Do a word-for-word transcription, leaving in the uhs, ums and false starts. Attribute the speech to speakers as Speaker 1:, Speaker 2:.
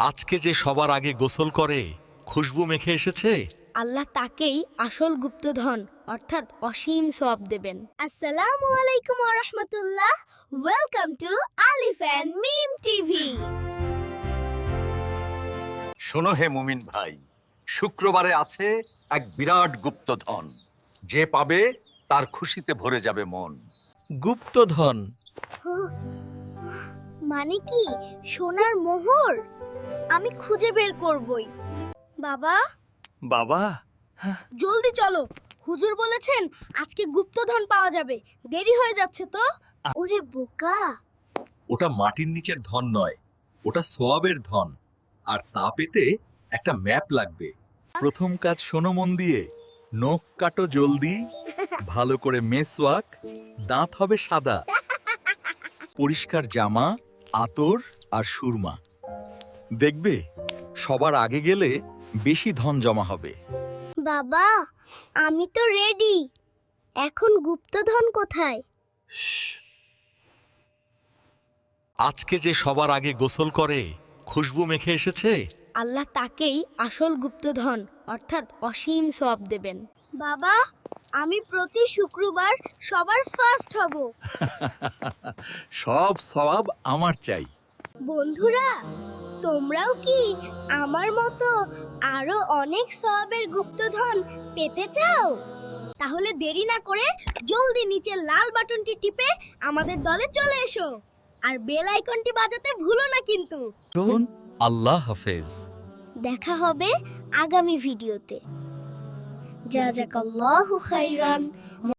Speaker 1: আজকে যে সবার আগে গোসল করে খুশবু মেখে এসেছে,
Speaker 2: আল্লাহ তাকেই আসল গুপ্তধন অর্থাৎ অসীম সওয়াব দেবেন। আসসালামু আলাইকুম ওয়া রাহমাতুল্লাহ। Welcome to Alif and Mim TV.
Speaker 3: শোনো হে মুমিন ভাই, শুক্রবারে আছে এক বিরাট গুপ্তধন, যে পাবে তার খুশিতে ভরে যাবে মন।
Speaker 1: গুপ্তধন
Speaker 2: মানে কি সোনার মোহর? আমি খুঁজে বের করবই। বাবা,
Speaker 1: বাবা,
Speaker 2: জলদি চলো, হুজুর বলেছেন আজকে গুপ্তধন পাওয়া যাবে, দেরি হয়ে যাচ্ছে তো। ওরে বোকা,
Speaker 1: ওটা মাটির নিচের ধন নয়, ওটা সোয়াবের ধন। আর তা পেতে একটা ম্যাপ লাগবে। প্রথম কাজ শোনো মন দিয়ে, নখ কাটো জলদি, ভালো করে মেসওয়াক, দাঁত হবে সাদা, পরিষ্কার জামা, আতর আর সুরমা। দেখবে সবার আগে গেলে বেশি ধন জমা হবে।
Speaker 2: বাবা আমি তো রেডি, এখন গুপ্তধন কোথায়?
Speaker 1: আজকে যে সবার আগে গোসল করে খুশবু মেখে এসেছে,
Speaker 2: আল্লাহ তাকেই আসল গুপ্তধন অর্থাৎ অসীম সওয়াব দেবেন। বাবা আমি প্রতি শুক্রবার সবার ফার্স্ট হব।
Speaker 1: সব সওয়াব আমার চাই।
Speaker 2: বন্ধুরা তোমরাও কি আমার মতো আরো অনেক সওয়াবের গুপ্তধন পেতে চাও? তাহলে দেরি না করে জলদি নিচের লাল বাটনটি টিপে আমাদের দলে চলে এসো, আর বেল আইকনটি বাজাতে ভুলো না কিন্তু।
Speaker 1: আল্লাহ হাফেজ।
Speaker 2: দেখা হবে আগামী ভিডিওতে। জাযাকাল্লাহু খাইরান।